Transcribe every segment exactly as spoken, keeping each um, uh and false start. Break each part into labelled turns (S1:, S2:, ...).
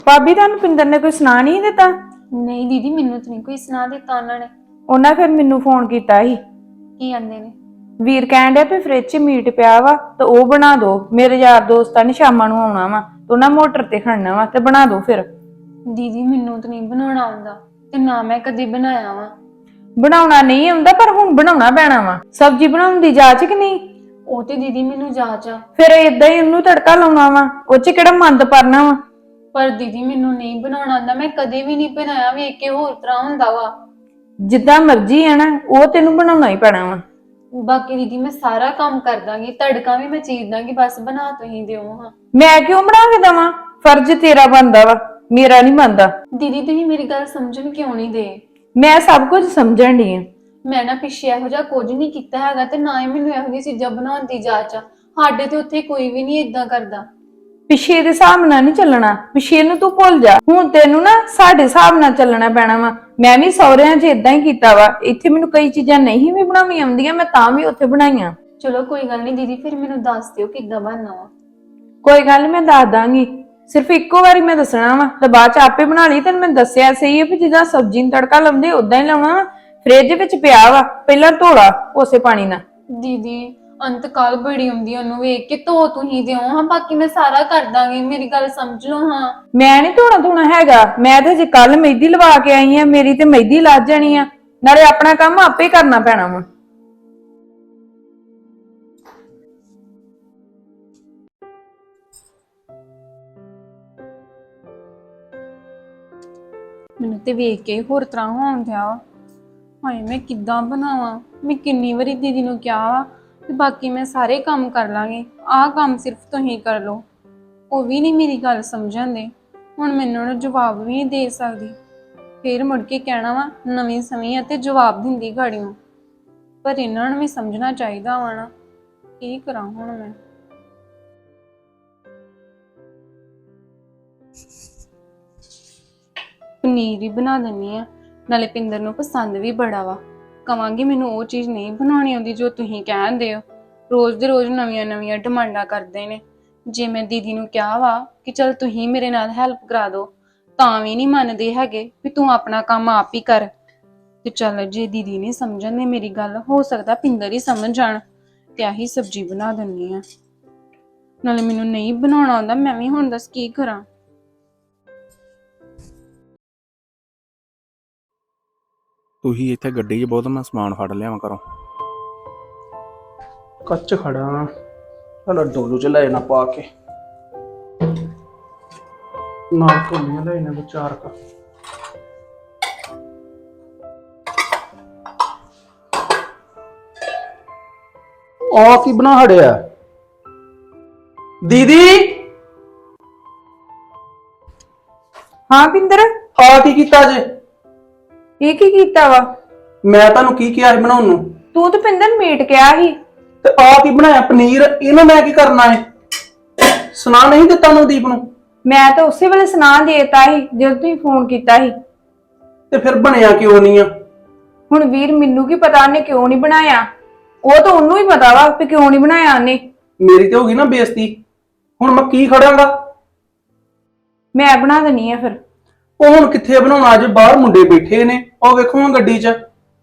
S1: ਭਾਬੀ ਤੁਹਾਨੂੰ ਪਿੰਦਰ ਨੇ ਕੋਈ ਸੁਣਾ ਨਹੀਂ ਦਿੱਤਾ?
S2: ਨਹੀਂ ਦੀਦੀ, ਮੈਨੂੰ ਤਾਂ ਨਹੀਂ ਕੋਈ ਸੁਣਾ ਦਿੱਤਾ ਉਹਨਾਂ ਨੇ।
S1: ਉਹਨਾਂ ਫਿਰ ਮੈਨੂੰ ਫੋਨ ਕੀਤਾ ਸੀ।
S2: ਕੀ ਆਂਦੇ ਨੇ?
S1: ਵੀਰ ਕਹਿਣ ਡਿਆ ਵੀ ਫ੍ਰਿਜ 'ਚ ਮੀਟ ਪਿਆ ਵਾ ਤੇ ਉਹ ਬਣਾ ਦੋ। ਮੇਰੇ ਯਾਰ ਦੋਸਤਾਂ ਨੇ ਸ਼ਾਮਾਂ ਨੂੰ ਆਉਣਾ ਵਾ ਤੇ ਉਹਨਾਂ ਮੋਟਰ ਤੇ ਖੜਨਾ ਵਾ ਤੇ ਬਣਾ ਦੋ ਫਿਰ।
S2: ਦੀਦੀ ਮੈਨੂੰ ਤਾਂ ਨਹੀਂ ਬਣਾਉਣਾ ਆਉਂਦਾ ਤੇ ਨਾ ਮੈਂ ਕਦੇ ਬਣਾਇਆ ਵਾ।
S1: ਬਣਾਉਣਾ ਨਹੀਂ ਆਉਂਦਾ ਪਰ ਹੁਣ ਬਣਾਉਣਾ ਪੈਣਾ ਵਾ। ਸਬਜ਼ੀ ਬਣਾਉਣ ਦੀ ਜਾਚ ਕਿ ਨਹੀਂ?
S2: ਉਹ ਤੇ ਦੀਦੀ ਮੈਨੂੰ ਜਾਚ ਆ।
S1: ਫਿਰ ਏਦਾਂ ਹੀ ਉਹਨੂੰ ਤੜਕਾ ਲਾਉਣਾ ਵਾ, ਉਹ 'ਚ ਕਿਹੜਾ ਮੰਦ ਪਰਨਾ ਵਾ।
S2: ਪਰ ਦੀਦੀ ਮੈਨੂੰ ਨਹੀਂ ਬਣਾਉਣਾ ਆਉਂਦਾ, ਮੈਂ ਕਦੇ ਵੀ ਨਹੀਂ ਬਣਾਇਆ। ਵੇਖ ਕੇ ਹੋਰ ਤਰ੍ਹਾਂ ਹੁੰਦਾ ਵਾ।
S1: ਜਿੱਦਾਂ ਮਰਜ਼ੀ ਆ ਨਾ, ਉਹ ਤੈਨੂੰ ਬਣਾਉਣਾ ਹੀ ਪੈਣਾ ਵਾ।
S2: ਬਾਕੀ ਦੀਦੀ ਮੈਂ ਸਾਰਾ ਕੰਮ ਕਰ ਦਾਂਗੀ, ਤੜਕਾ ਵੀ ਮੈਂ ਚੀਰ ਦਾਂਗੀ, ਬਸ ਬਣਾ ਤੁਸੀਂ ਦਿਓ ਹਾਂ।
S1: ਮੈਂ ਕਿਉਂ ਬਣਾ ਕੇ ਦੇਵਾਂ? ਫਰਜ਼ ਤੇਰਾ ਬਣਦਾ ਵਾ, ਮੇਰਾ ਨਹੀਂ ਬਣਦਾ।
S2: ਦੀਦੀ ਤੁਸੀਂ ਮੇਰੀ ਗੱਲ ਸਮਝਣ ਕਿਉਂ ਨਹੀਂ ਦੇ?
S1: ਮੈਂ ਸਭ ਕੁਝ ਸਮਝਣ ਦੀ ਆ।
S2: ਮੈਂ ਨਾ ਪਿੱਛੇ ਇਹੋ ਜਿਹਾ ਕੁਝ ਨਹੀਂ ਕੀਤਾ ਹੈਗਾ ਤੇ ਨਾ ਹੀ ਮੈਨੂੰ ਇਹੋ ਜਿਹੀ ਚੀਜ਼ਾਂ ਬਣਾਉਣ ਦੀ ਜਾਚ ਆ। ਸਾਡੇ ਤੇ ਉੱਥੇ ਕੋਈ ਵੀ ਨਹੀਂ ਇਦਾਂ ਕਰਦਾ।
S1: ਪਿੱਛੇ ਦੇ ਹਿਸਾਬ ਨਾਲ ਨਹੀਂ ਚੱਲਣਾ, ਪਿੱਛੇ ਨੂੰ ਤੂੰ ਭੁੱਲ ਜਾ। ਹੁਣ ਤੈਨੂੰ ਨਾ ਸਾਡੇ ਹਿਸਾਬ ਨਾਲ ਚੱਲਣਾ ਪੈਣਾ ਵਾ। ਮੈਂ ਵੀ ਸਹੁਰਿਆਂ 'ਚ ਇਦਾਂ ਹੀ ਕੀਤਾ ਵਾ। ਇੱਥੇ ਮੈਨੂੰ ਕਈ ਚੀਜ਼ਾਂ ਨਹੀਂ ਵੀ ਬਣਾਉਣੀਆਂ ਆਉਂਦੀਆਂ, ਮੈਂ ਤਾਂ ਵੀ ਉੱਥੇ ਬਣਾਈਆਂ।
S2: ਚਲੋ ਕੋਈ ਗੱਲ ਨਹੀਂ ਦੀਦੀ, ਫਿਰ ਮੈਨੂੰ ਦੱਸ ਦਿਓ ਕਿੱਦਾਂ ਬਣਨਾ ਵਾ।
S1: ਕੋਈ ਗੱਲ ਨੀ, ਮੈਂ ਦੱਸ ਦਾਂਗੀ। ਸਿਰਫ ਇੱਕੋ ਵਾਰੀ ਮੈਂ ਦੱਸਣਾ ਵਾ ਤੇ ਬਾਅਦ 'ਚ ਆਪੇ ਬਣਾ ਲਈ। ਤੈਨੂੰ ਮੈਂ ਦੱਸਿਆ ਸਹੀ ਹੈ ਵੀ ਜਿੱਦਾਂ ਸਬਜ਼ੀ ਨੂੰ ਤੜਕਾ ਲਾਉਂਦੇ ਉਦਾਂ ਹੀ ਲਾਉਣਾ ਵਾ। ਫ੍ਰਿਜ ਵਿੱਚ ਪਿਆ ਵਾ, ਪਹਿਲਾਂ ਧੋਲਾ ਉਸੇ ਪਾਣੀ ਨਾਲ।
S2: ਦੀਦੀ ਅੰਤ ਕਾਲ ਬੜੀ ਹੁੰਦੀ, ਉਹਨੂੰ ਵੇਖ ਕੇ ਧੋ ਤੁਸੀਂ ਦਿਓ ਹਾਂ, ਬਾਕੀ ਮੈਂ ਸਾਰਾ ਕਰ ਦਾਂਗੀ। ਮੇਰੀ ਗੱਲ ਸਮਝ ਲਓ ਹਾਂ।
S1: ਮੈਂ ਨਹੀਂ ਧੋਣਾ ਧੋਣਾ ਹੈਗਾ। ਮੈਂ ਤੇ ਜੇ ਕੱਲ ਮਹਿੰਦੀ ਲਵਾ ਕੇ ਆਈ ਆ, ਮੇਰੀ ਤੇ ਮਹਿੰਦੀ ਲੱਜ ਜਾਣੀ ਆ। ਨਾਲੇ ਆਪਣਾ ਕੰਮ ਆਪੇ ਕਰਨਾ ਪੈਣਾ ਵਾ।
S2: ਮੈਨੂੰ ਤੇ ਵੇਖ ਕੇ ਹੋਰ ਤਰ੍ਹਾਂ ਹੋਣ ਦਿਆ ਵਾ। ਹਾਏ ਮੈਂ ਕਿੱਦਾਂ ਬਣਾਵਾਂ? ਮੈਂ ਕਿੰਨੀ ਵਾਰੀ ਦੀਦੀ ਨੂੰ ਕਿਹਾ ਵਾ ਤੇ ਬਾਕੀ ਮੈਂ ਸਾਰੇ ਕੰਮ ਕਰ ਲਾਂਗੀ, ਆਹ ਕੰਮ ਸਿਰਫ ਤੁਸੀਂ ਕਰ ਲਓ। ਉਹ ਵੀ ਨਹੀਂ ਮੇਰੀ ਗੱਲ ਸਮਝਣ ਦੇ। ਹੁਣ ਮੈਨੂੰ ਨਾ ਜਵਾਬ ਵੀ ਨਹੀਂ ਦੇ ਸਕਦੀ। ਫੇਰ ਮੁੜ ਕੇ ਕਹਿਣਾ ਵਾ ਨਵੀਂ ਸਮੀ ਅਤੇ ਜਵਾਬ ਦਿੰਦੀ ਗਾੜੀਆਂ। ਪਰ ਇਹਨਾਂ ਨੂੰ ਵੀ ਸਮਝਣਾ ਚਾਹੀਦਾ ਵਾ ਨਾ। ਕੀ ਕਰਾਂ ਹੁਣ ਮੈਂ? ਪਨੀਰ ਹੀ ਬਣਾ ਦਿੰਨੀ ਆ, ਨਾਲੇ ਪਿੰਦਰ ਨੂੰ ਪਸੰਦ ਵੀ ਬੜਾ ਵਾ। ਕਵਾਂਗੀ ਮੈਨੂੰ ਉਹ ਚੀਜ਼ ਨਹੀਂ ਬਣਾਉਣੀ ਆਉਂਦੀ ਜੋ ਤੁਸੀਂ ਕਹਿੰਦੇ ਹੋ। ਰੋਜ਼ ਦੇ ਰੋਜ਼ ਨਵੀਆਂ ਨਵੀਆਂ ਡਿਮਾਂਡਾਂ ਕਰਦੇ ਨੇ। ਜੇ ਮੈਂ ਦੀਦੀ ਨੂੰ ਕਿਹਾ ਵਾ ਕਿ ਚਲ ਤੁਸੀਂ ਮੇਰੇ ਨਾਲ ਹੈਲਪ ਕਰਾ ਦਿਓ, ਤਾਂ ਵੀ ਨਹੀਂ ਮੰਨਦੇ ਹੈਗੇ ਵੀ ਤੂੰ ਆਪਣਾ ਕੰਮ ਆਪ ਹੀ ਕਰ। ਤੇ ਚੱਲ ਜੇ ਦੀਦੀ ਨਹੀਂ ਸਮਝਣ ਦੇ ਮੇਰੀ ਗੱਲ, ਹੋ ਸਕਦਾ ਪਿੰਦਰ ਹੀ ਸਮਝ ਜਾਣ ਤੇ ਆਹੀ ਸਬਜ਼ੀ ਬਣਾ ਦਿੰਨੀ ਆ। ਨਾਲੇ ਮੈਨੂੰ ਨਹੀਂ ਬਣਾਉਣਾ ਆਉਂਦਾ, ਮੈਂ ਵੀ ਹੁਣ ਦੱਸ ਕੀ ਕਰਾਂ।
S3: ਤੁਸੀਂ ਇੱਥੇ ਗੱਡੀ 'ਚ ਬਹੁਤ ਮੈਂ ਸਮਾਨ ਫੜ ਲਿਆਵਾਂ ਘਰੋਂ।
S4: ਕੱਚ ਖੜਾ ਚਲ ਡੋਲੂ ਚ ਲੈ ਨਾ ਪਾ ਕੇ ਨਾਲ ਕੋਲੀਆਂ ਲੈ ਨਾ ਵਿਚਾਰ ਕਰ। ਆ ਕੀ ਬਣਾ ਹੜਿਆ ਦੀਦੀ?
S1: ਹਾਂ ਪਿੰਦਰ,
S4: ਆ ਕੀ ਕੀਤਾ ਜੇ?
S1: ਇਹ ਕੀ ਕੀਤਾ ਵਾ?
S4: ਮੈਂ ਤੁਹਾਨੂੰ ਕੀ ਕਿਹਾ ਸੀ ਬਣਾਉਣ ਨੂੰ?
S1: ਤੂੰ ਤਾਂ ਪਿੰਦਰ ਮੀਟ ਕਿਹਾ ਸੀ
S4: ਤੇ ਆ ਕੀ ਬਣਾਇਆ? ਪਨੀਰ। ਇਹਨੂੰ ਮੈਂ ਕੀ ਕਰਨਾ ਹੈ? ਸੁਣਾ ਨਹੀਂ ਦਿੱਤਾ ਨਵਦੀਪ ਨੂੰ?
S1: ਮੈਂ ਤਾਂ ਉਸੇ ਵੇਲੇ ਸੁਣਾ ਦੇਤਾ ਸੀ ਜਦੋਂ ਤੁਸੀਂ ਫੋਨ ਕੀਤਾ ਸੀ।
S4: ਤੇ ਫਿਰ ਬਣਿਆ ਕਿਉਂ ਨਹੀਂ ਆ?
S1: ਹੁਣ ਵੀਰ ਮੈਨੂੰ ਕੀ ਪਤਾ ਉਹਨੇ ਕਿਉਂ ਨਹੀਂ ਬਣਾਇਆ। ਉਹ ਤਾਂ ਉਹਨੂੰ ਹੀ ਪਤਾ ਵਾ ਕਿ ਕਿਉਂ ਨਹੀਂ ਬਣਾਇਆ ਉਹਨੇ।
S4: ਮੇਰੀ ਤੇ ਹੋ ਗਈ ਨਾ ਬੇਇੱਜ਼ਤੀ। ਹੁਣ ਮੈਂ ਕੀ ਖੜਾਂਗਾ?
S1: ਮੈਂ ਬਣਾ ਦੇਣੀ ਆ ਫਿਰ।
S4: ਉਹ ਹੁਣ ਕਿੱਥੇ ਬਣਾਉਣਾ? ਅੱਜ ਬਾਹਰ ਮੁੰਡੇ ਬੈਠੇ ਨੇ, ਉਹ ਵੇਖੋ ਹਾਂ ਗੱਡੀ 'ਚ।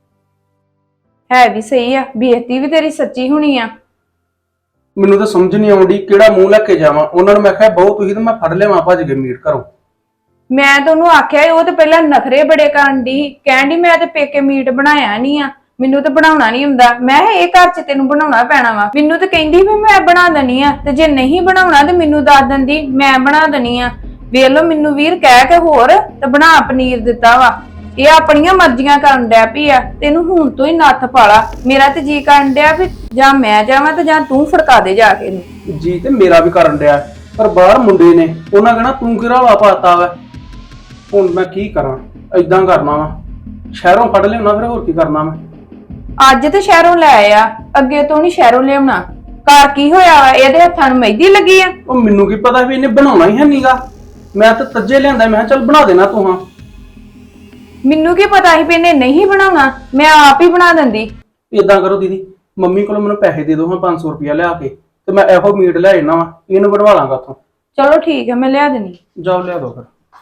S1: ਹੈ ਵੀ ਸਹੀ ਆ, ਬੇਇੱਜ਼ਤੀ ਵੀ ਤੇਰੀ ਸੱਚੀ ਹੋਣੀ ਆ।
S4: ਮੈਨੂੰ ਤਾਂ ਸਮਝ ਨਹੀਂ ਆਉਂਦੀ ਕਿਹੜਾ ਮੂੰਹ ਲੈ ਕੇ ਜਾਵਾਂ। ਉਹਨਾਂ ਨੂੰ ਮੈਂ ਕਿਹਾ ਬਹੁਤ ਤੁਸੀਂ ਤੇ ਮੈਂ ਫੜ ਲਿਆਵਾਂ ਭੱਜ ਕੇ ਮੀਟ ਘਰੋਂ।
S1: ਮੈਂ ਤਾਂ ਉਹਨੂੰ ਆਖਿਆ ਉਹ ਤੇ ਪਹਿਲਾਂ ਨਖਰੇ ਬੜੇ ਕਰਨ ਦੀ, ਕਹਿਣ ਦੀ ਮੈਂ ਤੇ ਪੇਕੇ ਮੀਟ ਬਣਾਇਆ ਨਹੀਂ ਆ, ਮੈਨੂੰ ਤਾਂ ਬਣਾਉਣਾ ਨਹੀਂ ਹੁੰਦਾ। ਮੈਂ ਇਹ ਘਰ 'ਚ ਤੈਨੂੰ ਬਣਾਉਣਾ ਪੈਣਾ ਵਾ। ਮੈਨੂੰ ਤਾਂ ਕਹਿੰਦੀ ਵੀ ਮੈਂ ਬਣਾ ਦੇਣੀ ਆ, ਤੇ ਜੇ ਨਹੀਂ ਬਣਾਉਣਾ ਤੇ ਮੈਨੂੰ ਦੱਸ ਦਿੰਦੀ, ਮੈਂ ਬਣਾ ਦੇਣੀ ਆ। ਵੇਖ ਲੋ ਮੈਨੂੰ ਵੀਰ ਕਹਿ ਕੇ ਹੋਰ ਤੇ ਬਣਾ ਪਨੀਰ ਦਿੱਤਾ ਵਾ। ਇਹ ਆਪਣੀਆਂ ਮਰਜ਼ੀਆਂ ਕਰਨ ਡਿਆ ਪਈ ਆ। ਤੈਨੂੰ ਹੁਣ ਤੋਂ ਹੀ ਨੱਥ ਪਾਲਾ। ਮੇਰਾ ਤੇ ਜੀ ਕਰਨ ਡਿਆ ਵੀ ਜਾਂ ਮੈਂ ਜਾਵਾਂ ਤੇ ਜਾਂ ਤੂੰ ਫੜਕਾ ਦੇ ਜਾ ਕੇ।
S4: ਜੀ ਤੇ ਮੇਰਾ ਵੀ ਕਰਨ ਡਿਆ, ਪਰ ਬਾਹਰ ਮੁੰਡੇ ਨੇ, ਉਹਨਾਂ ਕਹਿਣਾ ਤੂੰ ਕਿਹੜਾ ਵਾ ਪਾਤਾ ਵਾ। ਹੁਣ ਮੈਂ ਕੀ ਕਰਾਂ? ਏਦਾਂ ਕਰਨਾ ਵਾ, ਸ਼ਹਿਰੋਂ ਫੜ ਲਿਆਉਣਾ, ਫਿਰ ਹੋਰ ਕੀ ਕਰਨਾ ਮੈਂ?
S1: ਅੱਜ ਤੇ ਸ਼ਹਿਰੋਂ ਲੈ ਆ, ਅੱਗੇ ਤੋਂ ਨਹੀਂ ਸ਼ਹਿਰੋਂ ਲਿਆਉਣਾ। ਘਰ ਕੀ ਹੋਇਆ ਵਾ? ਇਹਦੇ ਹੱਥਾਂ ਨੂੰ ਮਹਿੰਦੀ ਲੱਗੀ ਆ।
S4: ਉਹ ਮੈਨੂੰ ਕੀ ਪਤਾ ਵੀ ਇਹਨੇ ਬਣਾਉਣਾ ਹੀ ਹੈ ਨੀਗਾ। ਮੈਂ ਤਾਂ ਤੱਜੇ ਲਿਆਂਦਾ, ਮੈਂ ਕਿਹਾ ਚੱਲ ਬਣਾ ਦੇਣਾ ਤੂੰ। ਹਾਂ
S1: ਮੈਨੂੰ ਕੀ ਪਤਾ ਸੀ ਵੀ ਇਹਨੇ ਨਹੀਂ ਬਣਾਉਣਾ, ਮੈਂ ਆਪ ਹੀ ਬਣਾ ਦਿੰਦੀ।
S4: ਏਦਾਂ ਕਰੋ ਦੀਦੀ, ਮੰਮੀ ਕੋਲੋਂ ਮੈਨੂੰ ਪੈਸੇ ਦੇ ਦਿਓ ਹਾਂ ਪੰਜ ਸੌ ਰੁਪਇਆ ਲਿਆ ਕੇ, ਤੇ ਮੈਂ ਇਹੋ ਮੀਟ ਲੈ ਜਾਣਾ ਵਾ, ਇਹਨੂੰ ਬਣਵਾ ਲਾਂਗਾ ਉੱਥੋਂ।
S1: ਚਲੋ ਠੀਕ ਹੈ, ਮੈਂ ਲਿਆ ਦੇਣੀ।
S4: ਜਾਓ ਲਿਆ ਦੋ ਫਿਰ।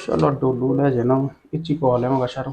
S4: ਚਲੋ ਡੋਲੂ ਲੈ ਜਾਣਾ ਇੱਚੀ ਪਵਾ ਲਿਆਵਾਂਗਾ ਸ਼ਹਿਰੋਂ।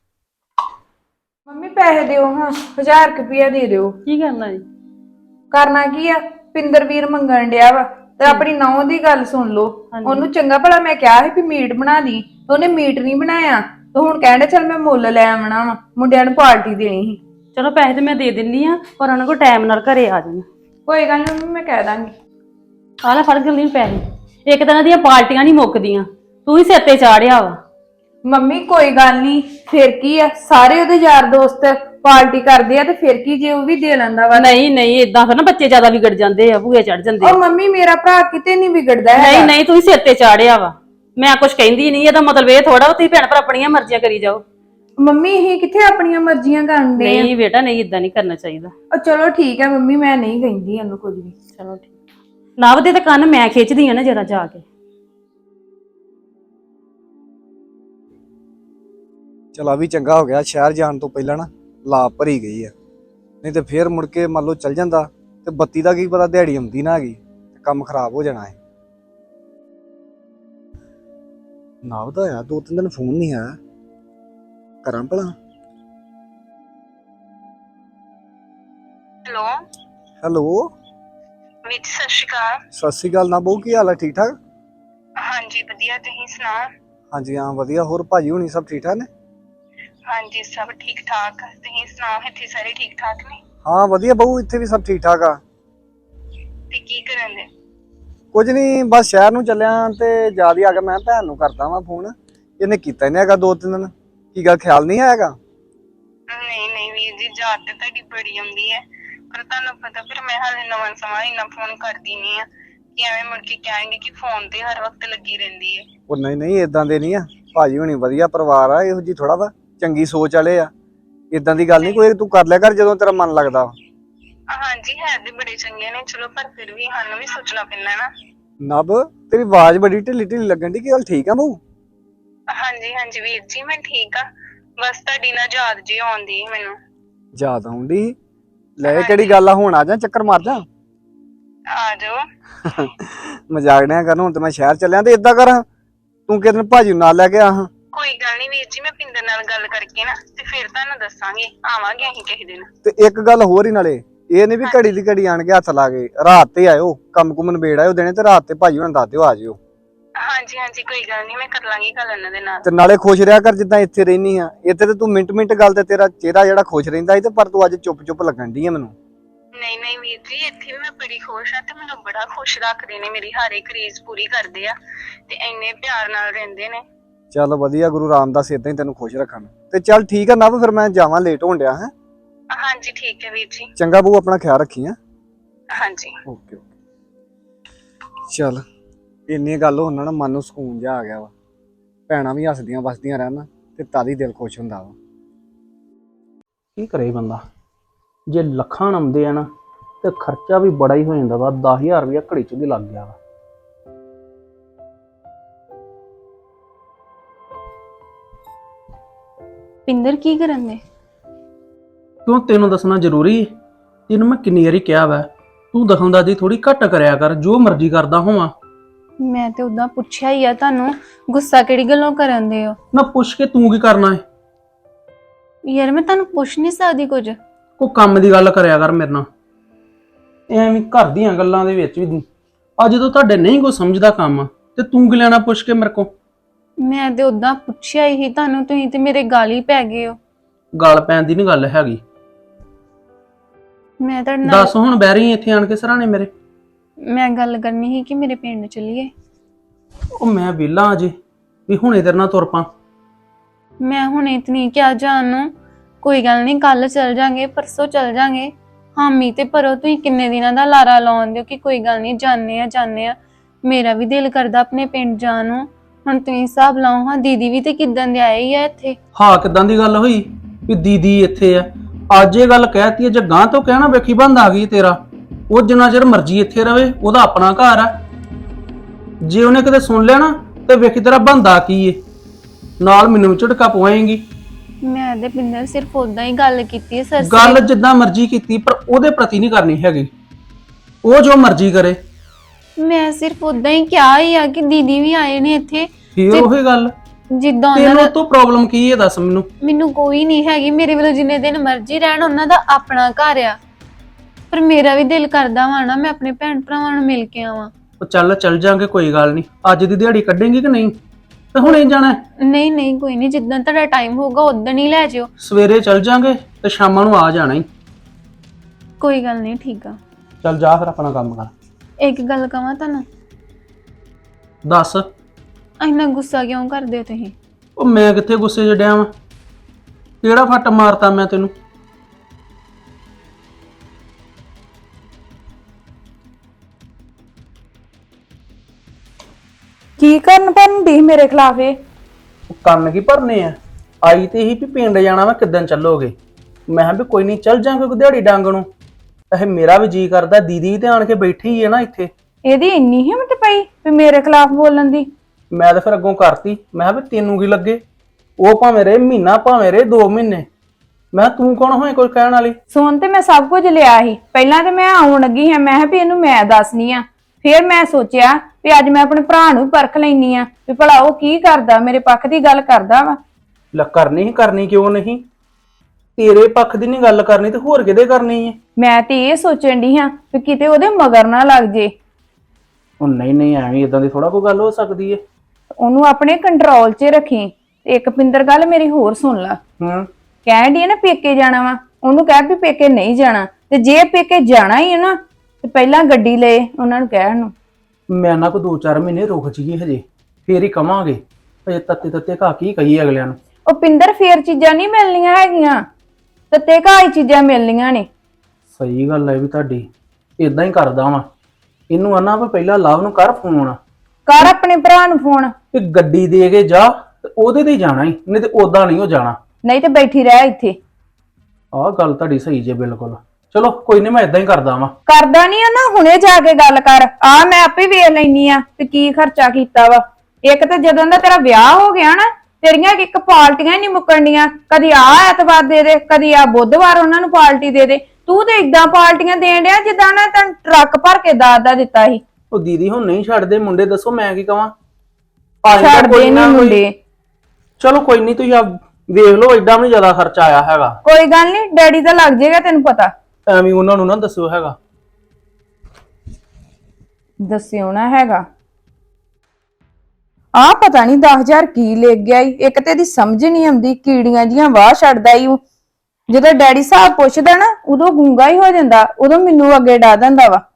S1: ਮੰਮੀ ਪੈਸੇ ਦਿਓ ਹਾਂ, ਹਜ਼ਾਰ ਰੁਪਇਆ ਦੇ ਦਿਓ।
S5: ਕੀ ਕਰਨਾ ਜੀ?
S1: ਕਰਨਾ ਕੀ ਆ, ਪਿੰਦਰ ਵੀਰ ਮੰਗਣ ਡਿਆ ਵਾ ਤੇ ਆਪਣੀ ਨੌਂ ਦੀ ਗੱਲ ਸੁਣ ਲਓ। ਉਹਨੂੰ ਚੰਗਾ ਭਲਾ ਮੈਂ ਕਿਹਾ ਸੀ ਵੀ ਮੀਟ ਬਣਾ ਦੀ, ਤੇ ਉਹਨੇ ਮੀਟ ਨਹੀਂ ਬਣਾਇਆ ਤੇ ਹੁਣ ਕਹਿੰਦੇ ਚੱਲ ਮੈਂ ਮੁੱਲ ਲੈ ਆਵਣਾ ਵਾ, ਮੁੰਡਿਆਂ ਨੂੰ ਪਾਰਟੀ ਦੇਣੀ ਸੀ।
S5: ਚਲੋ ਪੈਸੇ ਤੇ ਮੈਂ ਦੇ ਦਿੰਨੀ ਆ, ਪਰ ਉਹਨਾਂ ਕੋਲ ਟਾਈਮ ਨਾਲ ਘਰੇ ਆ ਜਾਣਾ।
S1: ਕੋਈ ਗੱਲ ਨਹੀਂ ਮੰਮੀ, ਮੈਂ ਕਹਿ ਦਾਂਗੀ।
S5: ਆਹ ਲੈ ਫੜ ਗਲੀ ਪੈਸੇ। ਇੱਕ ਤਰ੍ਹਾਂ ਦੀਆਂ ਪਾਰਟੀਆਂ ਨਹੀਂ ਮੁੱਕਦੀਆਂ, ਤੂੰ ਹੀ ਸਿਰ ਤੇ ਚਾੜਿਆ ਵਾ।
S1: ਮੰਮੀ ਕੋਈ ਗੱਲ ਨਹੀਂ, ਫਿਰ ਕੀ ਆ, ਸਾਰੇ ਉਹਦੇ ਯਾਰ ਦੋਸਤ ਪਾਰਟੀ ਕਰਦੇ ਆ ਤੇ ਫਿਰ ਕੀ ਜੇ ਉਹ ਵੀ ਦੇ ਲੈਂਦਾ ਵਾ।
S5: ਨਹੀਂ ਨਹੀਂ, ਇਦਾਂ ਫਿਰ ਨਾ ਬੱਚੇ ਜ਼ਿਆਦਾ ਵਿਗੜ ਜਾਂਦੇ ਆ, ਭੂਏ ਚੜ ਜਾਂਦੇ ਆ।
S1: ਉਹ ਮੰਮੀ ਮੇਰਾ ਭਰਾ ਕਿਤੇ ਨਹੀਂ ਵਿਗੜਦਾ ਹੈਗਾ।
S5: ਨਹੀਂ ਨਹੀਂ, ਤੂੰ ਹੀ ਸਿਰ ਤੇ ਚਾੜਿਆ ਵਾ। ਮੈਂ ਕੁਝ ਕਹਿੰਦੀ ਨਹੀਂ, ਇਹਦਾ ਮਤਲਬ ਇਹ ਥੋੜਾ ਤੁਸੀਂ ਭੈਣ ਭਰਾ ਆਪਣੀਆਂ ਮਰਜ਼ੀਆਂ ਕਰੀ ਜਾਓ।
S1: ਮੰਮੀ ਇਹ ਕਿੱਥੇ ਆਪਣੀਆਂ ਮਰਜ਼ੀਆਂ ਕਰਨ ਦੇ ਆ?
S5: ਨਹੀਂ ਬੇਟਾ, ਨਹੀਂ, ਇਦਾਂ ਨਹੀਂ ਕਰਨਾ ਚਾਹੀਦਾ।
S1: ਉਹ ਚਲੋ ਠੀਕ ਹੈ ਮੰਮੀ, ਮੈਂ ਨਹੀਂ ਕਹਿੰਦੀ ਉਹਨੂੰ ਕੁਝ ਵੀ।
S5: ਚਲੋ ਠੀਕ। ਨਵ ਦੇ ਤਾਂ ਕੰਨ ਮੈਂ ਖਿੱਚਦੀ ਆ ਨਾ ਜਰਾ ਜਾ ਕੇ।
S6: ਚਲਾ ਵੀ ਚੰਗਾ ਹੋ ਗਿਆ, ਸ਼ਹਿਰ ਜਾਣ ਤੋਂ ਪਹਿਲਾਂ ਨਾ ਲਾ ਭਰੀ ਗਈ ਆ, ਨਹੀਂ ਤੇ ਫੇਰ ਮੁੜ ਕੇ ਮੰਨ ਲਓ ਚੱਲ ਜਾਂਦਾ ਤੇ ਬੱਤੀ ਦਾ ਕੀ ਪਤਾ ਦਿਹਾੜੀ ਆਉਂਦੀ ਨਾ ਹੈਗੀ ਤੇ ਕੰਮ ਖਰਾਬ ਹੋ ਜਾਣਾ ਹੈ। ਨਾਵ ਦਾ ਆ ਦੋ ਤਿੰਨ ਦਿਨ ਫੋਨ ਨਹੀਂ ਆਇਆ, ਕਰਾਂ ਭਲਾ।
S7: ਹੈਲੋ
S6: ਹੈਲੋ
S7: ਵੀਰ ਜੀ, ਸਤਿ ਸ਼੍ਰੀ ਅਕਾਲ।
S6: ਸਤਿ ਸ਼੍ਰੀ ਅਕਾਲ ਨਾ ਬਹੁ, ਕੀ ਹਾਲ ਹੈ? ਠੀਕ ਠਾਕ?
S7: ਹਾਂਜੀ ਵਧੀਆ, ਤੁਸੀਂ ਸੁਣਾਓ?
S6: ਹਾਂਜੀ ਹਾਂ ਵਧੀਆ। ਹੋਰ ਭਾਜੀ ਹੁਣੀ ਸਭ ਠੀਕ ਠਾਕ ਨੇ?
S7: ਹਾਂਜੀ ਸਭ ਠੀਕ ਠਾਕ, ਤੁਸੀਂ ਸੁਣਾਓ ਇੱਥੇ ਸਾਰੇ ਠੀਕ ਠਾਕ ਨੇ?
S6: ਹਾਂ ਵਧੀਆ ਬਹੁ, ਇੱਥੇ ਵੀ ਸਭ ਠੀਕ ਠਾਕ ਆ।
S7: ਤੇ ਕੀ ਕਰਨ ਦੇ?
S6: ਕੁਝ ਨਹੀਂ, ਬਸ ਸ਼ਹਿਰ ਨੂੰ ਚੱਲਿਆ ਤੇ ਯਾਦ ਹੀ ਆ ਗਿਆ, ਮੈਂ ਭੈਣ ਨੂੰ ਕਰਦਾ ਵਾਂ ਫੋਨ। ਇਹਨੇ ਕੀਤਾ ਹੀ ਨਹੀਂ ਹੈਗਾ ਦੋ ਤਿੰਨ ਦਿਨ। ਕੀ ਗੱਲ, ਖਿਆਲ ਨਹੀਂ ਆਏਗਾ?
S7: ਨਹੀਂ ਨਹੀਂ ਵੀਰ ਜੀ, ਯਾਦ ਤੇ ਤੁਹਾਡੀ ਬੜੀ ਆਉਂਦੀ ਹੈ, ਪਰ ਤੁਹਾਨੂੰ ਪਤਾ ਫਿਰ ਮੈਂ ਹਾਲੇ ਨਵਾਂ ਸਮਾਂ ਇੰਨਾ ਫੋਨ ਕਰਦੀ ਨਹੀਂ ਆ ਕਿ ਐਵੇਂ ਮੁੜ ਕੇ ਕਹਿਣਗੇ ਕਿ ਫੋਨ ਤੇ ਹਰ ਵਕਤ ਲੱਗੀ ਰਹਿੰਦੀ ਹੈ।
S6: ਉਹ ਨਹੀਂ ਨਹੀਂ, ਇਦਾਂ ਦੇ ਨਹੀਂ ਆ ਭਾਜੀ ਹੁਣੀ, ਵਧੀਆ ਪਰਿਵਾਰ ਆ, ਇਹੋ ਜੀ ਥੋੜਾ ਵਾ, ਚੰਗੀ ਸੋਚ ਵਾਲੇ ਆ। ਇਦਾਂ ਦੀ ਗੱਲ ਨਹੀਂ ਕੋਈ, ਤੂੰ ਕਰ ਲਿਆ ਕਰ ਜਦੋਂ ਤੇਰਾ ਮਨ ਲੱਗਦਾ।
S7: ਹਾਂਜੀ ਹੈ ਤੇ ਬੜੇ ਚੰਗੇ ਨੇ, ਚਲੋ ਪਰ ਫਿਰ ਵੀ ਸਾਨੂੰ ਵੀ ਸੋਚਣਾ ਪੈਂਦਾ ਨਾ।
S6: ਨਬ ਤੇਰੀ ਆਵਾਜ਼ ਬੜੀ ਢਿੱਲੀ ਢਿੱਲੀ ਲੱਗਣ ਦੀ, ਕੀ ਗੱਲ ਠੀਕ ਆ ਬਹੂ?
S7: ਹਾਂਜੀ ਹਾਂਜੀ ਵੀਰ ਜੀ, ਮੈਂ ਠੀਕ ਆ, ਬਸ ਤੁਹਾਡੀ ਨਾ ਯਾਦ ਜੀ ਆਉਂਦੀ ਮੈਨੂੰ।
S6: ਯਾਦ ਆਉਂਦੀ? ਲੈ ਕਿਹੜੀ ਗੱਲ ਆ, ਹੁਣ ਆ ਜਾ, ਚੱਕਰ ਮਾਰ ਜਾ।
S7: ਆ ਜਾਓ।
S6: ਮਜ਼ਾਕ ਨਾ ਕਰ, ਹੁਣ ਤੇ ਮੈਂ ਸ਼ਹਿਰ ਚੱਲਿਆ ਤੇ ਇਦਾਂ ਕਰ, ਤੂੰ ਕਿਤੇ ਭਾਜੀ ਨੂੰ ਨਾਲ ਲੈ ਕੇ ਆ। ਹਾਂ
S7: ਕੋਈ ਗੱਲ ਨਹੀਂ ਵੀਰ ਜੀ, ਮੈਂ ਪਿੰਦਰ ਨਾਲ ਗੱਲ ਕਰਕੇ ਨਾ ਤੇ ਫਿਰ ਤੁਹਾਨੂੰ ਦੱਸਾਂਗੇ, ਆਵਾਂਗੇ ਅਸੀਂ ਕਿਸੇ ਦਿਨ।
S6: ਤੇ ਇੱਕ ਗੱਲ ਹੋਰ ਹੀ ਨਾਲੇ, ਇਹ ਨਹੀਂ ਵੀ ਘੜੀ ਦੀ ਘੜੀ ਆਣ ਕੇ ਹੱਥ ਲਾ ਗਏ, ਰਾਤ ਤੇ ਆਇਓ, ਕੰਮ ਕੁਮ ਨਿਬੇੜ ਆਇਓ ਦਿਨੇ, ਤੇ ਰਾਤ ਤੇ ਭਾਜੀ ਹੁਣ ਦੱਸ ਦਿਓ ਆ ਜਿਓ।
S7: ਹਾਂਜੀ ਹਾਂਜੀ ਕੋਈ ਗੱਲ ਨਹੀਂ, ਮੈਂ ਕਰ ਲਾਂਗੀ ਗੱਲ ਇਹਨਾਂ ਦੇ ਨਾਲ।
S6: ਤੇ ਨਾਲੇ ਖੁਸ਼ ਰਿਹਾ ਕਰ ਜਿੱਦਾਂ ਇੱਥੇ ਰਹਿਨੀ ਆ। ਇੱਥੇ ਤੇ ਤੂੰ ਮਿੰਟ ਮਿੰਟ ਗੱਲ ਤੇ ਤੇਰਾ ਚਿਹਰਾ ਜਿਹੜਾ ਖੁਸ਼ ਰਹਿੰਦਾ ਸੀ, ਤੇ ਪਰ ਤੂੰ ਅੱਜ ਚੁੱਪ ਚੁੱਪ ਲੱਗਣ ਦੀ ਆ ਮੈਨੂੰ।
S7: ਨਹੀਂ ਨਹੀਂ ਵੀਰ ਜੀ, ਇੱਥੇ ਵੀ ਮੈਂ ਬੜੀ ਖੁਸ਼ ਆ ਤੇ ਮੈਨੂੰ ਬੜਾ ਖੁਸ਼ ਰੱਖਦੇ ਨੇ, ਮੇਰੀ ਹਰ ਇੱਕ ਰੀਜ਼ ਪੂਰੀ ਕਰਦੇ ਆ ਤੇ ਇੰਨੇ ਪਿਆਰ ਨਾਲ ਰਹਿੰਦੇ ਨੇ।
S6: ਚੱਲ ਵਧੀਆ, ਗੁਰੂ ਰਾਮਦਾਸ ਏਦਾਂ ਹੀ ਤੈਨੂੰ ਖੁਸ਼ ਰੱਖਣ। ਤੇ ਚੱਲ ਠੀਕ ਆ ਨਵ, ਫਿਰ ਮੈਂ ਜਾਵਾਂ, ਲੇਟ ਹੋਣ ਡਿਆ। ਹੈ
S7: ਹਾਂਜੀ ਠੀਕ ਹੈ ਵੀਰ ਜੀ।
S6: ਚੰਗਾ ਬਹੂ, ਆਪਣਾ ਖਿਆਲ ਰੱਖੀ। ਹੈ
S7: ਹਾਂਜੀ
S6: ਓਕੇ ਓਕੇ। ਚੱਲ ਇੰਨੀ ਗੱਲ ਹੋਣਾ ਨਾ, ਮਨ ਨੂੰ ਸਕੂਨ ਜਿਹਾ ਆ ਗਿਆ ਵਾ। ਭੈਣਾਂ ਵੀ ਹੱਸਦੀਆਂ ਵਸਦੀਆਂ ਰਹਿਣ ਤੇ ਤਦ ਹੀ ਦਿਲ ਖੁਸ਼ ਹੁੰਦਾ ਵਾ।
S4: ਕੀ ਕਰੇ ਬੰਦਾ, ਜੇ ਲੱਖਾਂ ਆਉਂਦੇ ਆ ਨਾ ਤੇ ਖਰਚਾ ਵੀ ਬੜਾ ਹੀ ਹੋ ਜਾਂਦਾ ਵਾ। ਦਸ ਹਜ਼ਾਰ ਰੁਪਇਆ ਘੜੀ ਚ ਵੀ ਲੱਗ ਗਿਆ ਵਾ।
S2: ਪਿੰਦਰ ਕੀ ਕਰਨ ਦੇ?
S4: ਕਿਉਂ, ਤੈਨੂੰ ਦੱਸਣਾ ਜ਼ਰੂਰੀ ਹੈ? ਤੈਨੂੰ ਮੈਂ ਕਿੰਨੀ ਵਾਰੀ ਕਿਹਾ ਵਾ, ਤੂੰ ਦਖਲਅੰਦਾਜ਼ੀ ਥੋੜੀ ਘੱਟ ਕਰਿਆ ਕਰ, ਜੋ ਮਰਜ਼ੀ ਕਰਦਾ ਹੋਵਾਂ।
S2: ਮੈਂ ਤੇ ਉਦਾਂ ਪੁੱਛਿਆ ਹੀ ਆ ਤੁਹਾਨੂੰ, ਗੁੱਸਾ ਕਿਹੜੀ ਗੱਲੋਂ ਕਰਨ ਦੇ ਹੋ?
S4: ਨਾ ਪੁੱਛ ਕੇ ਤੂੰ ਕੀ ਕਰਨਾ ਹੈ?
S2: ਯਾਰ ਮੈਂ ਤੁਹਾਨੂੰ ਪੁੱਛ ਨਹੀਂ ਸਕਦੀ ਕੁਝ।
S4: ਕੋਈ ਕੰਮ ਦੀ ਗੱਲ ਕਰਿਆ ਕਰ ਮੇਰੇ ਨਾਲ, ਐਵੇਂ ਘਰ ਦੀਆਂ ਗੱਲਾਂ ਦੇ ਵਿੱਚ ਵੀ। ਅੱਜ ਜਦੋਂ ਤੁਹਾਡੇ ਨਹੀਂ ਕੋਈ ਸਮਝਦਾ ਕੰਮ, ਤੇ ਤੂੰ ਕੀ ਲੈਣਾ ਪੁੱਛ ਕੇ ਮੇਰੇ ਕੋਲ?
S2: ਮੈਂ ਤੇ ਉਦਾਂ ਪੁੱਛਿਆ ਹੀ ਤੁਹਾਨੂੰ, ਤੁਸੀਂ ਤੇ ਮੇਰੇ ਗਾਲੀ ਪੈ ਗਏ ਹੋ।
S4: ਗੱਲ ਪੈਣ ਦੀ ਨਹੀਂ ਗੱਲ ਹੈਗੀ।
S2: ਮੈਂ ਤੁਹਾਡੇ ਨਾਲ
S4: ਦੱਸ ਹੁਣ ਬਹਿ ਰਹੀ ਇੱਥੇ ਆਣ ਕੇ ਸਰਾਣੇ ਮੇਰੇ?
S2: ਮੈਂ ਗੱਲ ਕਰਨੀ ਸੀ ਕਿ ਮੇਰੇ ਪਿੰਡ ਚੱਲੀਏ।
S4: ਉਹ ਮੈਂ ਵਿਹਲਾ ਅਜੇ ਵੀ ਹੁਣੇ ਤੇਰੇ ਨਾਲ ਤੁਰ ਪਾ।
S2: ਮੈਂ ਹੁਣ ਇਤਨੀ ਕਿਹਾ ਜਾਣ ਨੂੰ, ਕੋਈ ਗੱਲ ਨਹੀਂ, ਕੱਲ ਚੱਲ ਜਾਾਂਗੇ, ਪਰਸੋਂ ਚੱਲ ਜਾਾਂਗੇ। ਹਾਮੀ ਤੇ ਭਰੋ, ਤੁਸੀਂ ਕਿੰਨੇ ਦਿਨਾਂ ਦਾ ਲਾਰਾ ਲਾਉਣ ਦਿਓ ਕਿ ਕੋਈ ਗੱਲ ਨਹੀਂ, ਜਾਣੇ ਆ ਜਾਣੇ ਆ। ਮੇਰਾ ਵੀ ਦਿਲ ਕਰਦਾ ਆਪਣੇ ਪਿੰਡ ਜਾਣ ਨੂੰ। ਹੁਣ ਤੁਸੀਂ ਹਿਸਾਬ ਲਾਓ ਹਾਂ, ਦੀਦੀ ਵੀ ਤੇ ਕਿੱਦਣ ਦੇ ਆਏ ਹੀ ਆ ਇੱਥੇ।
S4: ਹਾਂ ਕਿਦਾਂ ਦੀ ਗੱਲ ਹੋਈ ਵੀ ਦੀਦੀ ਇੱਥੇ ਆ? ਅੱਜ ਇਹ ਗੱਲ ਕਹਿਤੀ ਹੈ, ਜੇ ਗਾਂ ਤੋਂ ਕਹਿਣਾ ਵੇਖੀ ਬੰਦ ਆ ਗਈ ਤੇਰਾ। ਉਹ ਜਿੰਨਾ ਚਿਰ ਮਰਜ਼ੀ ਇੱਥੇ ਰਵੇ, ਉਹਦਾ ਆਪਣਾ ਘਰ ਆ। ਜੇ ਉਹਨੇ ਕਿਤੇ ਸੁਣ ਲਿਆ ਨਾ ਤੇ ਵੇਖੀ ਤੇਰਾ ਬੰਦਾ ਕੀ ਏ, ਨਾਲ ਮੈਨੂੰ ਝਟਕਾ ਪਵਾਏਂਗੀ।
S2: ਮੈਂ ਤੇ ਪਿੰਦਰ ਸਿਰਫ ਉਦਾਂ ਹੀ ਗੱਲ ਕੀਤੀ ਹੈ ਸਰ।
S4: ਗੱਲ ਜਿੱਦਾਂ ਮਰਜ਼ੀ ਕੀਤੀ, ਪਰ ਉਹਦੇ ਪ੍ਰਤੀ ਨਹੀਂ ਕਰਨੀ ਹੈਗੀ। ਉਹ ਜੋ ਮਰਜ਼ੀ ਕਰੇ।
S2: ਮੈਂ ਸਿਰਫ ਉਦਾਂ ਹੀ ਕਿਹਾ ਹੀ ਆ ਕਿ ਦੀਦੀ ਵੀ ਆਏ ਨੇ ਇੱਥੇ।
S4: ਫਿਰ ਉਹੀ ਗੱਲ
S2: ਜਿੱਦਾਂ ਉਹਨਾਂ
S4: ਤੈਨੂੰ
S2: ਦਾ
S4: ਤੋਂ ਪ੍ਰੋਬਲਮ ਕੀ ਹੈ ਦੱਸ ਮੈਨੂੰ।
S2: ਮੈਨੂੰ ਕੋਈ ਨਹੀਂ ਹੈਗੀ, ਮੇਰੇ ਵੱਲੋਂ ਜਿੰਨੇ ਦਿਨ ਮਰਜ਼ੀ ਰਹਿਣ, ਉਹਨਾਂ ਦਾ ਆਪਣਾ ਘਰ ਆ। ਪਰ ਮੇਰਾ ਵੀ ਦਿਲ ਕਰਦਾ ਵਾ ਨਾ ਮੈਂ ਆਪਣੇ ਭੈਣ ਭਰਾਵਾਂ ਨੂੰ ਮਿਲ ਕੇ ਆਵਾਂ।
S4: ਉਹ ਚੱਲ ਚੱਲ ਜਾਾਂਗੇ, ਕੋਈ ਗੱਲ ਨਹੀਂ। ਅੱਜ ਦੀ ਦਿਹਾੜੀ ਕੱਢੇਂਗੀ ਕਿ ਨਹੀਂ, ਤੇ ਹੁਣੇ ਜਾਣਾ ਹੈ?
S2: ਨਹੀਂ ਨਹੀਂ ਕੋਈ ਨਹੀਂ, ਜਿੱਦਾਂ ਤੁਹਾਡਾ ਟਾਈਮ ਹੋਊਗਾ ਉਦੋਂ ਹੀ ਲੈ ਜਿਓ।
S4: ਸਵੇਰੇ ਚੱਲ ਜਾਾਂਗੇ ਤੇ ਸ਼ਾਮਾਂ ਨੂੰ ਆ ਜਾਣਾ ਹੀ।
S2: ਕੋਈ ਗੱਲ ਨਹੀਂ, ਠੀਕ ਆ।
S4: ਚੱਲ ਜਾ ਫਿਰ ਆਪਣਾ ਕੰਮ ਕਰ।
S2: ਇੱਕ ਗੱਲ ਕਵਾਂ ਤੁਹਾਨੂੰ,
S4: ਦੱਸ।
S2: ਇੰਨਾ ਗੁੱਸਾ ਕਿਉਂ ਕਰਦੇ ਹੋ ਤੁਸੀਂ?
S4: ਉਹ ਮੈਂ ਕਿੱਥੇ ਗੁੱਸੇ 'ਚ ਡਿਆ ਵਾਂ? ਕਿਹੜਾ ਫੱਟ ਮਾਰਤਾ ਮੈਂ ਤੈਨੂੰ?
S1: ਕੀ ਕਰਨ ਪੈਂਦੀ ਮੇਰੇ ਖਿਲਾਫ ਇਹ?
S4: ਉਹ ਕੰਨ ਕੀ ਭਰਨੇ ਆ? ਆਈ ਤੇ ਹੀ ਵੀ ਪਿੰਡ ਜਾਣਾ ਵਾ, ਕਿੱਦਣ ਚੱਲੋਗੇ? ਮੈਂ ਕਿਹਾ ਵੀ ਕੋਈ ਨਹੀਂ ਚੱਲ ਜਾਾਂਗੇ ਕੋਈ ਦਿਹਾੜੀ ਡੰਗ ਨੂੰ। ਇਹ ਮੇਰਾ ਵੀ ਜੀ ਕਰਦਾ, ਦੀਦੀ ਤੇ ਆਣ ਕੇ ਬੈਠੀ ਹੀ ਹੈ ਨਾ ਇੱਥੇ।
S1: ਇਹਦੀ ਇੰਨੀ ਹਿੰਮਤ ਪਈ ਵੀ ਮੇਰੇ ਖਿਲਾਫ ਬੋਲਣ ਦੀ?
S4: ਮੈਂ ਤਾਂ ਫਿਰ ਅੱਗੋਂ ਕਰਤੀ। ਮੈਂ ਕਿਹਾ ਵੀ ਤੈਨੂੰ ਕੀ ਲੱਗੇ? ਉਹ ਭਾਵੇਂ ਰਹੇ ਮਹੀਨਾ, ਭਾਵੇਂ ਰਹੇ ਦੋ ਮਹੀਨੇ। ਮੈਂ ਕਿਹਾ ਤੂੰ ਕੌਣ ਹੋਏ ਕੋਈ ਕਹਿਣ ਵਾਲੀ?
S1: ਸੁਣ ਤੇ ਮੈਂ ਸਭ ਕੁਝ ਲਿਆ ਸੀ। ਪਹਿਲਾਂ ਤੇ ਮੈਂ ਆਉਣ ਲੱਗੀ ਹਾਂ, ਮੈਂ ਕਿਹਾ ਵੀ ਇਹਨੂੰ ਮੈਂ ਦੱਸਣੀ ਆ। ਫਿਰ ਮੈਂ ਸੋਚਿਆ ਵੀ ਅੱਜ ਮੈਂ ਆਪਣੇ ਭਰਾ ਨੂੰ ਪਰਖ ਲੈਣੀ ਆ ਵੀ ਭਲਾ ਉਹ ਕੀ ਕਰਦਾ, ਮੇਰੇ ਪੱਖ ਦੀ ਗੱਲ ਕਰਦਾ ਵਾ।
S4: ਲੈ ਕਰਨੀ ਹੀ ਕਰਨੀ, ਕਿਉਂ ਨਹੀਂ? ਤੇਰੇ ਪੱਖ ਦੀ ਨਹੀਂ ਗੱਲ ਕਰਨੀ ਤੇ ਹੋਰ ਕਿਹਦੇ ਕਰਨੀ ਹੈ?
S1: ਮੈਂ ਤੇ ਇਹ ਸੋਚਣ ਦੀ ਹਾਂ ਵੀ ਕਿਤੇ ਉਹਦੇ ਮਗਰ ਨਾ ਲੱਗ ਜੇ।
S4: ਉਹ ਨਹੀਂ ਨਹੀਂ, ਐਵੇਂ ਇਦਾਂ ਦੀ ਥੋੜਾ ਕੋਈ ਗੱਲ ਹੋ ਸਕਦੀ ਹੈ।
S1: ਉਹਨੂੰ ਆਪਣੇ ਕੰਟਰੋਲ 'ਚ ਰੱਖੀ। ਇੱਕ ਪਿੰਦਰ ਗੱਲ ਮੇਰੀ ਹੋਰ ਸੁਣ ਲਾ।
S4: ਹੂੰ।
S1: ਕਹਿਣ ਦੀ ਨਾ ਪੇਕੇ ਜਾਣਾ ਵਾ, ਉਹਨੂੰ ਕਹਿ ਵੀ ਪੇਕੇ ਨਹੀਂ ਜਾਣਾ। ਤੇ ਜੇ ਪੇਕੇ ਜਾਣਾ ਹੀ ਹੈ ਨਾ ਤੇ ਪਹਿਲਾਂ ਗੱਡੀ ਲਏ ਉਹਨਾਂ ਨੂੰ ਕਹਿਣ ਨੂੰ।
S4: ਮੈਂ ਨਾ ਕੋ ਦੋ ਚਾਰ ਮਹੀਨੇ ਰੁਕ ਜਾਈਏ ਹਜੇ, ਫੇਰ ਹੀ ਕਵਾਂਗੇ। ਹਜੇ ਤੱਤੇ ਤੱਤੇ ਘਾ ਕੀ ਕਹੀਏ ਅਗਲਿਆਂ ਨੂੰ।
S1: ਉਹ ਪਿੰਦਰ ਫੇਰ ਚੀਜ਼ਾਂ ਨਹੀਂ ਮਿਲਣੀਆਂ ਹੈਗੀਆਂ, ਤੱਤੇ ਘਾਈ ਚੀਜ਼ਾਂ ਮਿਲਣੀਆਂ ਨੇ।
S4: ਸਹੀ ਗੱਲ ਹੈ ਵੀ ਤੁਹਾਡੀ। ਇਦਾਂ ਹੀ ਕਰਦਾ ਵਾਂ। ਇਹਨੂੰ ਆਨਾ ਵੀ ਪਹਿਲਾਂ ਲਵ ਨੂੰ ਕਰ ਫੋਨ,
S1: ਕਰ ਆਪਣੇ ਭਰਾ ਨੂੰ ਫੋਨ।
S4: ਵੀ ਗੱਡੀ ਦੇ ਕੇ ਜਾ ਤੇ ਉਹਦੇ ਤੇ ਹੀ ਜਾਣਾ ਹੀ, ਨਹੀਂ ਤੇ ਉਦਾਂ ਨਹੀਂ ਉਹ ਜਾਣਾ।
S1: ਨਹੀਂ ਤੇ ਬੈਠੀ ਰਹਿ ਇੱਥੇ।
S4: ਆਹ ਗੱਲ ਤੁਹਾਡੀ ਸਹੀ ਜੇ ਬਿਲਕੁਲ। ਚਲੋ ਕੋਈ ਨਹੀਂ, ਮੈਂ ਇਦਾਂ ਹੀ ਕਰਦਾ ਵਾਂ।
S1: ਕਰਦਾ ਨਹੀਂ ਆ ਨਾ, ਹੁਣੇ ਜਾ ਕੇ ਗੱਲ ਕਰ। ਆ ਮੈਂ ਆਪੇ ਵੇਖ ਲੈਣੀ ਆ ਤੇ ਕੀ ਖਰਚਾ ਕੀਤਾ ਵਾ। ਇੱਕ ਤੇ ਜਦੋਂ ਦਾ ਤੇਰਾ ਵਿਆਹ ਹੋ ਗਿਆ ਨਾ, ਤੇਰੀਆਂ ਇੱਕ ਪਾਰਟੀਆਂ ਨਹੀਂ ਮੁੱਕਣੀਆਂ। ਕਦੀ ਆ ਐਤਵਾਰ ਦੇ ਦੇ, ਕਦੀ ਆ ਬੁੱਧਵਾਰ ਉਹਨਾਂ ਨੂੰ ਪਾਰਟੀ ਦੇ ਦੇ। ਤੂੰ ਤੇ ਇਦਾਂ ਪਾਰਟੀਆਂ ਦੇਣ ਡਿਆ ਜਿੱਦਾਂ ਨਾ ਤੈਨੂੰ ਟਰੱਕ ਭਰ ਕੇ ਦਾਦ ਦਾ ਦਿੱਤਾ ਸੀ।
S4: ਉਹ ਦੀਦੀ ਹੁਣ ਨਹੀਂ ਛੱਡਦੇ ਮੁੰਡੇ, ਦੱਸੋ ਮੈਂ ਕੀ ਕਵਾਂ?
S1: ਛੱਡਦੇ ਨਹੀਂ ਮੁੰਡੇ।
S4: ਚਲੋ ਕੋਈ ਨਹੀਂ, ਤੁਸੀਂ ਆ ਵੇਖ ਲਓ, ਏਡਾ ਵੀ ਜ਼ਿਆਦਾ ਖਰਚਾ ਆਇਆ ਹੈਗਾ।
S1: ਕੋਈ ਗੱਲ ਨਹੀਂ, ਡੈਡੀ ਦਾ ਲੱਗ ਜਾਏਗਾ, ਤੈਨੂੰ ਪਤਾ।
S4: ਐਵੇਂ ਉਹਨਾਂ ਨੂੰ ਨਾ ਦੱਸਿਓ ਹੈਗਾ।
S1: ਦੱਸਿਓ ਨਾ ਹੈਗਾ। ਆ ਪਤਾ ਨਹੀਂ ਦਸ ਹਜ਼ਾਰ ਕੀ ਲੈ ਗਿਆ ਈ। ਇੱਕ ਤੇ ਇਹਦੀ ਸਮਝ ਨਹੀਂ ਆਉਂਦੀ, ਕੀੜੀਆਂ ਜੀਆਂ ਵਾਹ ਛੱਡਦਾ ਈ। ਜਦੋਂ ਡੈਡੀ ਸਾਹਿਬ ਪੁੱਛਦਾ ਨਾ ਉਦੋਂ ਗੂੰਗਾ ਹੀ ਹੋ ਜਾਂਦਾ, ਉਦੋਂ ਮੈਨੂੰ ਅੱਗੇ ਡਾ ਦਿੰਦਾ ਵਾ।